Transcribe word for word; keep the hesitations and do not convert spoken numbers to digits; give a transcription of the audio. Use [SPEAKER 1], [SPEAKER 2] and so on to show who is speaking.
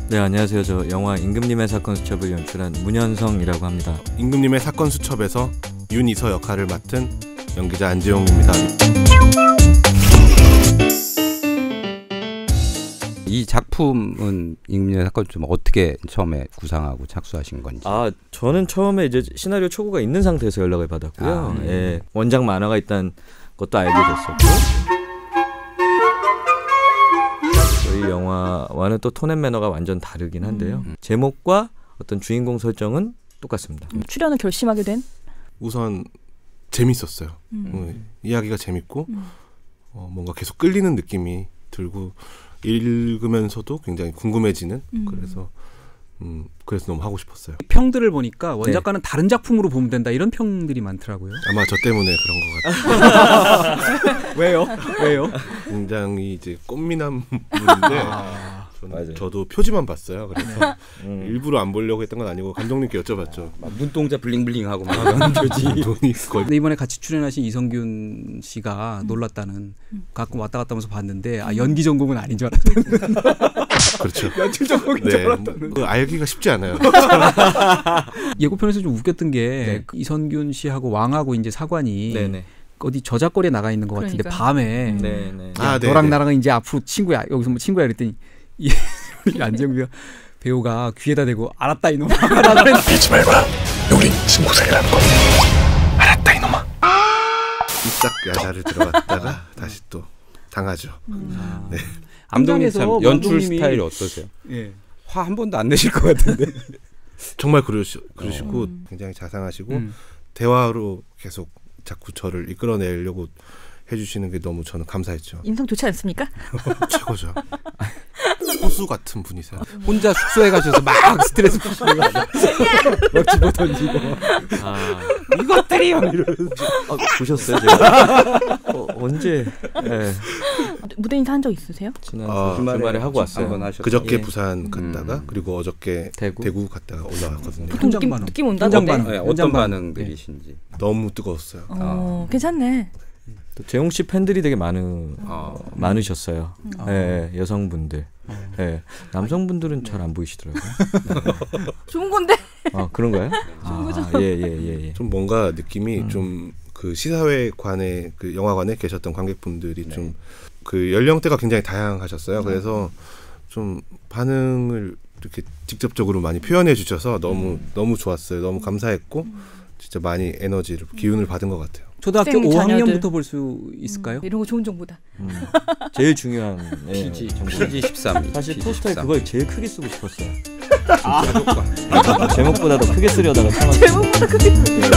[SPEAKER 1] 네, 안녕하세요. 저 영화 임금님의 사건 수첩을 연출한 문현성이라고 합니다.
[SPEAKER 2] 임금님의 사건 수첩에서 윤이서 역할을 맡은 연기자 안재용입니다.
[SPEAKER 3] 이 작품은 임금님의 사건 수첩 어떻게 처음에 구상하고 착수하신 건지?
[SPEAKER 1] 아, 저는 처음에 이제 시나리오 초고가 있는 상태에서 연락을 받았고요. 아, 음. 예, 원작 만화가 있다는 것도 알게 됐었고. 저희 영화와는 또 톤 앤 매너가 완전 다르긴 한데요. 음. 제목과 어떤 주인공 설정은 똑같습니다.
[SPEAKER 4] 음, 출연을 결심하게 된?
[SPEAKER 2] 우선 재밌었어요. 음. 어, 이야기가 재밌고 음. 어, 뭔가 계속 끌리는 느낌이 들고 읽으면서도 굉장히 궁금해지는 음. 그래서 음, 그래서 너무 하고 싶었어요.
[SPEAKER 5] 평들을 보니까 원작과는 네. 다른 작품으로 보면 된다 이런 평들이 많더라고요.
[SPEAKER 2] 아마 저 때문에 그런 것 같아요.
[SPEAKER 5] 왜요? 왜요?
[SPEAKER 2] 굉장히 이제 꽃미남 분인데 아, 저는, 저도 표지만 봤어요. 그래서 음. 일부러 안 보려고 했던 건 아니고 감독님께 여쭤봤죠.
[SPEAKER 3] 아, 눈동자 블링블링하고 막 이런 표지.
[SPEAKER 5] 근데 이번에 같이 출연하신 이성균 씨가 음. 놀랐다는 음. 가끔 왔다 갔다 하면서 봤는데 아, 연기 전공은 아닌 줄 알았다는.
[SPEAKER 2] 그렇죠.
[SPEAKER 5] 연출 전공인 줄 알았다는.
[SPEAKER 2] 그 알기가 쉽지 않아요.
[SPEAKER 5] 예고편에서 좀 웃겼던 게 네. 그 이성균 씨하고 왕하고 이제 사관이 네네. 어디 저작거리에 나가 있는 것 같은데 그러니까. 밤에 음. 네네. 아, 너랑 나랑은 이제 앞으로 친구야. 여기서 뭐 친구야 그랬더니 이 안재용 배우가 귀에다 대고 알았다 이놈아.
[SPEAKER 6] 믿지 말거라. 우린 친구 사이라는 거. 알았다 이놈아.
[SPEAKER 2] 이싹 야자를 들어갔다가 다시 또 당하죠.
[SPEAKER 5] 음.
[SPEAKER 2] 네.
[SPEAKER 3] 감독님 참 연출 스타일이 어떠세요? 예. 화 한 번도 안 내실 것 같은데.
[SPEAKER 2] 정말 그러시, 그러시고 음. 굉장히 자상하시고 음. 대화로 계속 자꾸 저를 이끌어내려고 해주시는 게 너무 저는 감사했죠.
[SPEAKER 4] 인성 좋지 않습니까?
[SPEAKER 2] 최고죠. 호수 같은 분이세요.
[SPEAKER 5] 혼자 숙소에 가셔서 막 스트레스 푸시는 거 아니야? 막 집어 던지고 아, 이것들이요 이러면서
[SPEAKER 1] 아, 보셨어요? 제가? 어, 언제 네.
[SPEAKER 4] 무대 인사 한 적 있으세요?
[SPEAKER 1] 지난 아, 주말에, 주말에 하고 왔어요.
[SPEAKER 2] 그저께
[SPEAKER 1] 예.
[SPEAKER 2] 부산 갔다가 음. 그리고 어저께 대구, 대구 갔다가 올라왔거든요.
[SPEAKER 4] 보통 느낌, 느낌 온다.
[SPEAKER 3] 어떤, 네, 어떤 반응들이신지.
[SPEAKER 2] 네. 너무 뜨거웠어요.
[SPEAKER 4] 어, 아. 괜찮네.
[SPEAKER 1] 또 재용 씨 팬들이 되게 많은 어, 많으셨어요. 음. 네, 여성분들. 어. 네, 남성분들은 잘 안 보이시더라고요.
[SPEAKER 4] 좋은 건데.
[SPEAKER 1] 아 그런가요?
[SPEAKER 4] 좋은 거죠.
[SPEAKER 1] 예예예. 예, 예.
[SPEAKER 2] 좀 뭔가 느낌이 음. 좀 그 시사회관에 그 영화관에 계셨던 관객분들이 네. 좀 그 연령대가 굉장히 다양하셨어요. 음. 그래서 좀 반응을 이렇게 직접적으로 많이 표현해 주셔서 너무 음. 너무 좋았어요. 너무 감사했고 음. 진짜 많이 에너지를 기운을 받은 것 같아요.
[SPEAKER 5] 초등학교 오 학년부터 볼 수 있을까요?
[SPEAKER 4] 음, 이런 거 좋은 정보다.
[SPEAKER 1] 음. 제일 중요한
[SPEAKER 3] 피지 피지 십삼.
[SPEAKER 1] 사실 포스터에 그걸 제일 크게 쓰고 싶었어요. 아, 제목보다 더 크게 쓰려다가 참았어요.
[SPEAKER 4] 제목보다 크게 쓰.